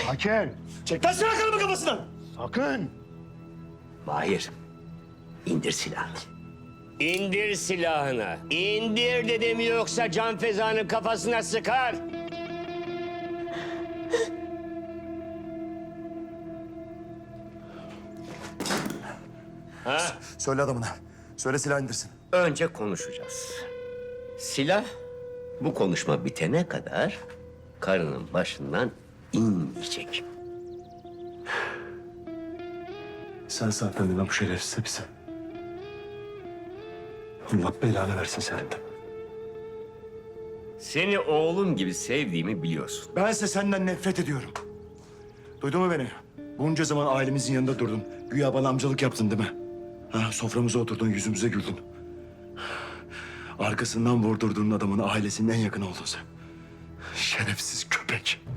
Hakem. Çek lan silahlarımı kafasından. Sakın. Mahir, indir silahını. İndir silahını. İndir dedim yoksa Can Feza'nın kafasına sıkar. Ha? Söyle adamına. Söyle silah indirsin. Önce konuşacağız. Silah bu konuşma bitene kadar karının başından inmeyecek. Sen saklandın lan bu şerefsiz hepsi. Allah belanı versin senin de. Seni oğlum gibi sevdiğimi biliyorsun. Bense senden nefret ediyorum. Duydun mu beni? Bunca zaman ailemizin yanında durdun. Güya bana amcalık yaptın değil mi? Ha, soframıza oturdun, yüzümüze güldün. Arkasından vurdurduğun adamın ailesinin en yakını oldun sen. Şerefsiz köpek.